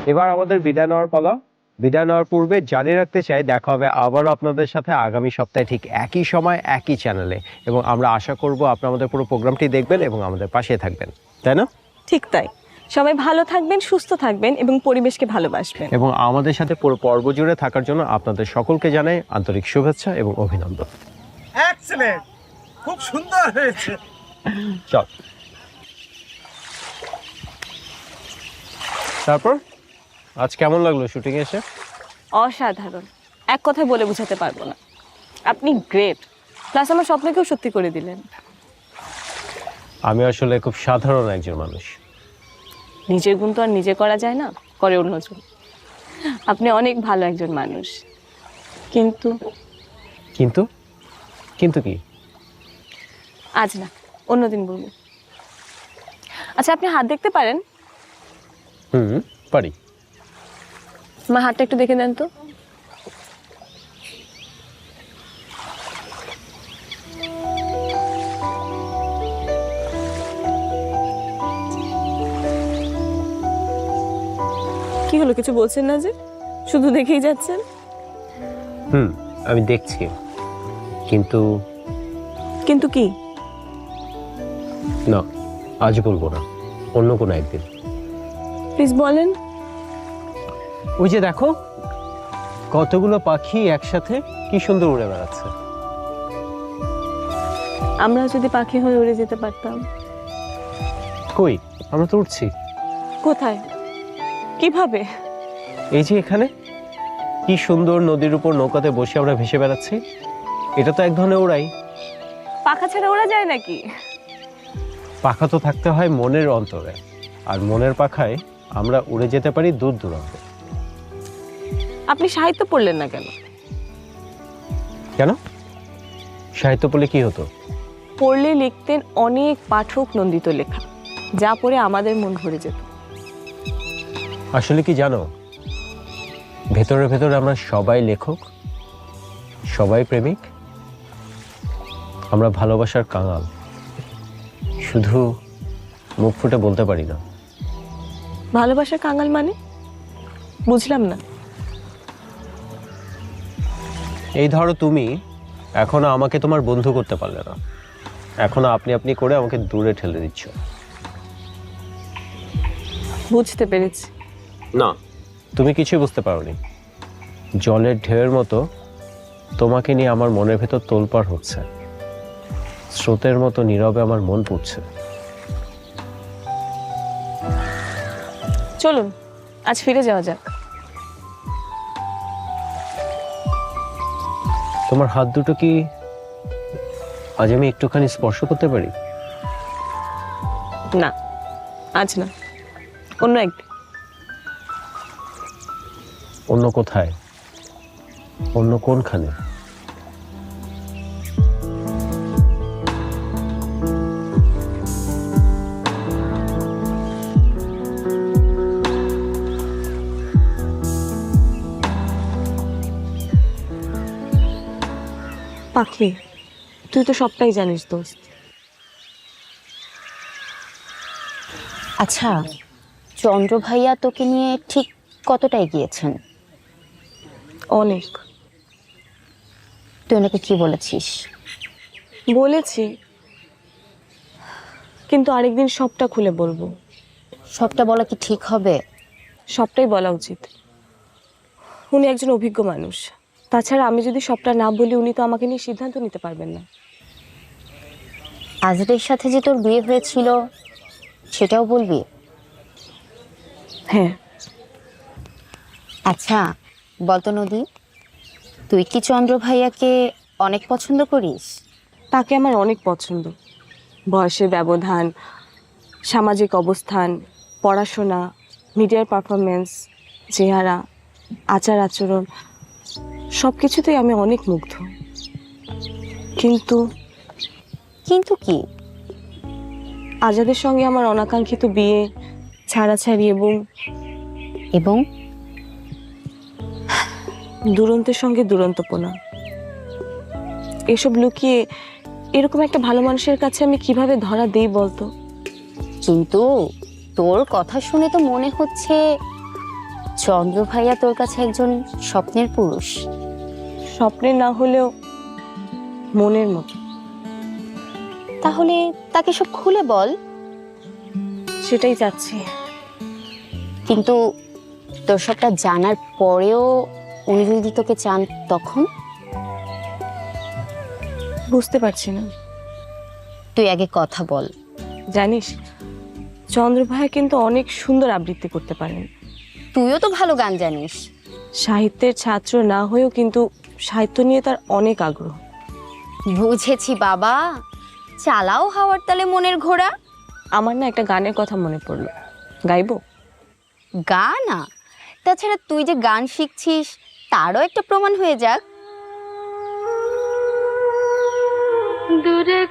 এবার আমাদের বিদায় নেওয়ার পালা। বিদায় নেওয়ার পূর্বে জানিয়ে রাখতে চাই, দেখা হবে আবারও আপনাদের সাথে আগামী সপ্তাহে ঠিক একই সময় একই চ্যানেলে, এবং আমরা আশা করব আপনারা আমাদের পুরো প্রোগ্রামটি দেখবেন এবং আমাদের পাশে থাকবেন, তাই না? ঠিক তাই। সবাই ভালো থাকবেন, সুস্থ থাকবেন এবং পরিবেশকে ভালোবাসবেন। এবং আমাদের সাথে পুরো পর্ব জুড়ে থাকার জন্য আপনাদের সকলকে জানাই আন্তরিক শুভেচ্ছা এবং অভিনন্দন। এক্সেলেন্ট, খুব সুন্দর হয়েছে। চল, তারপর আজ কেমন লাগলো শুটিং এসে? অসাধারণ, এক কথায় বলে বোঝাতে পারবো না। আপনি গ্রেট, প্লাস আমার স্বপ্নকেও সত্যি করে দিলেন। আমি আসলে খুব সাধারণ একজন মানুষ। নিজের গুণ তো আর নিজে করা যায় না, করে অন্যজন। আপনি অনেক ভালো একজন মানুষ, কিন্তু কিন্তু কিন্তু কি? আজ না, অন্যদিন বলবো। আচ্ছা, আপনি হাত দেখতে পারেন? পারি। আমার হাতটা একটু দেখে দেন তো। কি হলো, কিছু বলছেন না যে? শুধু দেখেই যাচ্ছেন। আমি দেখছি, কিন্তু কিন্তু কি? না, আজ বলবো না, অন্য কোনো একদিন। প্লিজ বলেন। ওই যে দেখো, কতগুলো পাখি একসাথে কি সুন্দর উড়ে বেড়াচ্ছে। আমরা যদি পাখি হয়ে উড়ে যেতে পারতাম। কই, আমরা তো উড়ছি। কোথায়, কিভাবে? এই যে এখানে, কি সুন্দর নদীর উপর নৌকাতে বসে আমরা ভেসে বেড়াচ্ছি। এটা তো এক ধরনের ওড়াই। পাখা ছাড়া ওড়া যায় নাকি? পাখা তো থাকতে হয় মনের অন্তরে, আর মনের পাখায় আমরা উড়ে যেতে পারি দূর দূরান্তে। আপনি সাহিত্য পড়লেন না কেন? কেন? সাহিত্য পড়লে কি হতো? পড়লে লিখতেন অনেক পাঠক নন্দিত লেখা, যা পড়ে আমাদের মন ভরে যেত। আসলে কি জানো, ভেতরে ভেতরে আমরা সবাই লেখক, সবাই প্রেমিক, আমরা ভালোবাসার কাঙাল, শুধু মুখ ফুটে বলতে পারি না। ভালোবাসার কাঙাল মানে? বুঝলাম না। এই ধরো, তুমি এখনো আমাকে তোমার বন্ধু করতে পারলে না, এখনো আপনি আপনি করে আমাকে দূরে ঠেলে দিচ্ছ। বুঝতে পেরেছি। না, তুমি কিছুই বুঝতে পারোনি। জলের ঢেউয়ের মতো তোমাকে নিয়ে আমার মনের ভেতর তোলপাড় হচ্ছে, স্রোতের মতো নীরবে আমার মন পড়ছে। চলুন আজ ফিরে যাওয়া যাক। তোমার হাত দুটো কি আজ আমি একটুখানি স্পর্শ করতে পারি? না, আজ না, অন্য একদিন। অন্য কোথায়? অন্য কোনখানে? পাখি, তুই তো সবটাই জানিস দোস্ত। আচ্ছা, চন্দ্র ভাইয়া তোকে নিয়ে ঠিক কতটা এগিয়েছেন? অনেক। তুই ওনাকে কি বলেছিস? বলেছি, কিন্তু আরেকদিন সবটা খুলে বলবো। সবটা বলা কি ঠিক হবে? সবটাই বলা উচিত। উনি একজন অভিজ্ঞ মানুষ, তাছাড়া আমি যদি সবটা না বলি উনি তো আমাকে নিয়ে সিদ্ধান্ত নিতে পারবেন না। আজরের সাথে যে তোর বিয়ে হয়েছিল সেটাও বলবি? হ্যাঁ। আচ্ছা বলতো নদী, তুই কি চন্দ্র ভাইয়াকে অনেক পছন্দ করিস? তাকে আমার অনেক পছন্দ। বয়সের ব্যবধান, সামাজিক অবস্থান, পড়াশোনা, মিডিয়ার পারফরমেন্স, চেহারা, আচার আচরণ, সব কিছুতেই আমি অনেক মুগ্ধ। কিন্তু কিন্তু কি? আজাদের সঙ্গে আমার অনাকাঙ্ক্ষিত বিয়ে, ছাড়াছাড়ি এবং এবং দুরন্তের সঙ্গে দুরন্তপনা, এসব লুকিয়ে এরকম একটা ভালো মানুষের কাছে আমি কিভাবে ধরা দেই বলতো? কিন্তু তোর কথা শুনে তো মনে হচ্ছে চন্দ্র ভাইয়া তোর কাছে একজন স্বপ্নের পুরুষ। স্বপ্নের না হলেও মনের মতো। তাহলে তাকে সব খুলে বল। সেটাই চাচ্ছি। কিন্তু তোর সবটা জানার পরেও উনি যদি তোকে চান তখন? বুঝতে পারছি না। তুই আগে কথা বল। জানিস, চন্দ্র ভাইয়া কিন্তু অনেক সুন্দর আবৃত্তি করতে পারেন। তুইও তো ভালো গান জানিস। সাহিত্যের ছাত্র না হয়েও কিন্তু সাহিত্য নিয়ে তার অনেক আগ্রহ। বুঝেছি বাবা, চালাও হাওয়ার তালে মনের ঘোড়া। আমার না একটা গানের কথা মনে পড়লো, গাইবো? গানা? তাছাড়া তুই যে গান শিখছিস তারও একটা প্রমাণ হয়ে যাক। দূরে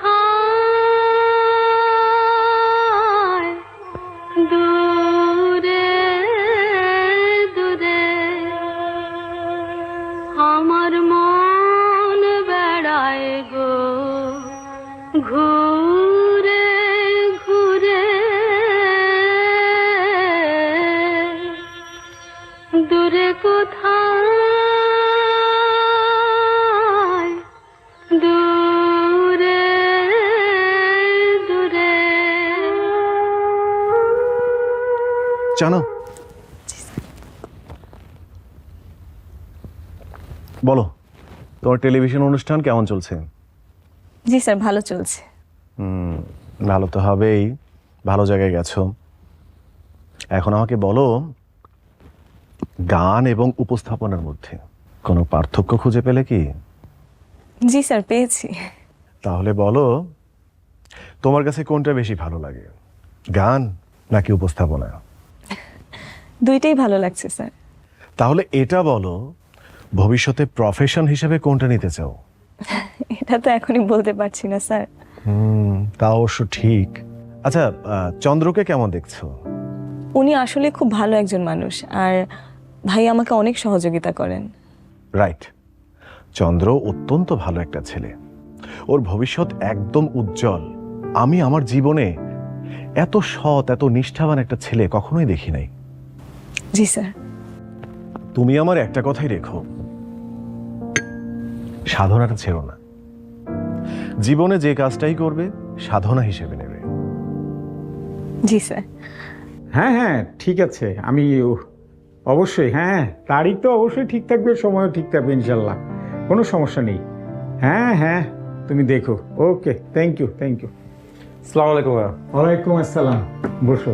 কোথায়, দূরে দূরে আমার মন বেড়ায় গো, ঘুরে ঘুরে দূরে কোথায়, দূরে দূরে। জানো, বলো তোমার টেলিভিশন অনুষ্ঠান কেমন চলছে? জি স্যার, ভালো চলছে। ভালো তো হবেই, ভালো জায়গায় গেছো। এখন আমাকে বলো, গান এবং উপস্থাপনার মধ্যে কোনো পার্থক্য খুঁজে পেলে কি? জি স্যার, পেয়েছি। তাহলে বলো, তোমার কাছে কোনটা বেশি ভালো লাগে, গান নাকি উপস্থাপনা? দুইটাই ভালো লাগছে স্যার। তাহলে এটা বলো, ভবিষ্যতে প্রফেশন হিসেবে কোনটা নিতে চাও? এটা তো এখনই বলতে পারছি না স্যার। তা অবশ্য ঠিক। আচ্ছা, চন্দ্রকে কেমন দেখছো? উনি আসলে খুব ভালো একজন মানুষ, আর ভাই আমাকে অনেক সহযোগিতা করেন। রাইট, চন্দ্র অত্যন্ত ভালো একটা ছেলে, ওর ভবিষ্যৎ একদম উজ্জ্বল। আমি আমার জীবনে এত সৎ, এত নিষ্ঠাবান একটা ছেলে কখনোই দেখি নাই। জি স্যার। তুমি আমার একটা কথাই রেখো, সাধনাটা ছেড়ো না। জীবনে যে কাজটাই করবে সাধনা হিসেবে নেবে। জি স্যার। হ্যাঁ হ্যাঁ, ঠিক আছে। আমি অবশ্যই, হ্যাঁ, তারিখ তো অবশ্যই ঠিক থাকবে, সময়ও ঠিক থাকবে ইনশাল্লাহ, কোনো সমস্যা নেই। হ্যাঁ হ্যাঁ, তুমি দেখো। Okay, thank you, thank you. আসসালামু আলাইকুম। ওয়ালাইকুম আসসালাম, বসো।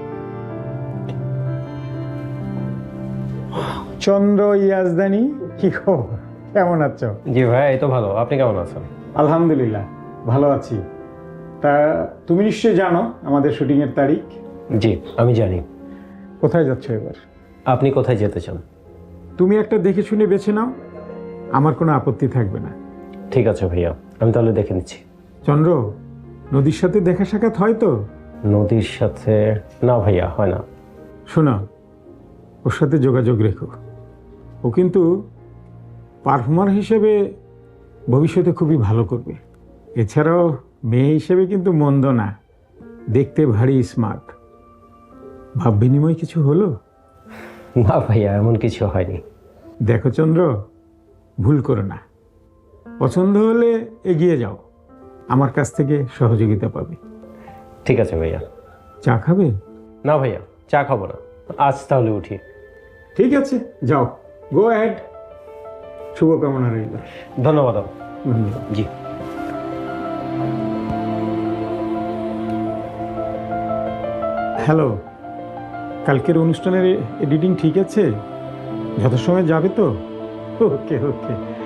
চন্দ্র ইয়াজদানি, কি খবর, কেমন আছো? জি ভাই, এই তো ভালো। আপনি কেমন আছেন? আলহামদুলিল্লাহ, ভালো আছি। তা তুমি নিশ্চয়ই জানো আমাদের শুটিংয়ের তারিখ? জি, আমি জানি। কোথায় যাচ্ছ এবার? আপনি কোথায় যেতে চান? তুমি একটা দেখে শুনে বেছে নাও, আমার কোনো আপত্তি থাকবে না। ঠিক আছে ভাইয়া, আমি তাহলে দেখে নিচ্ছি। চন্দ্র, নদীর সাথে দেখা সাক্ষাৎ হয় তো? নদীর সাথে? না ভাইয়া, হয় না। শোনো, ওর সাথে যোগাযোগ রেখো। ও কিন্তু পারফর্মার হিসেবে ভবিষ্যতে খুবই ভালো করবে। এছাড়াও মেয়ে হিসেবে কিন্তু মন্দ না, দেখতে ভারী স্মার্ট। ভাব বিনিময় কিছু হলো? না ভাইয়া, এমন কিছু হয়নি। দেখো চন্দ্র, ভুল করো না। পছন্দ হলে এগিয়ে যাও, আমার কাছ থেকে সহযোগিতা পাবে। ঠিক আছে ভাইয়া। চা খাবে? না ভাইয়া, চা খাবো না, আজ তাহলে উঠি। ঠিক আছে, যাও, গো অ্যাহেড। শুভকামনা রইল। ধন্যবাদ। ধন্যবাদ। জি। হ্যালো, কালকের অনুষ্ঠানের এডিটিং ঠিক আছে? যথাসময়ে যাবে তো? ওকে ওকে।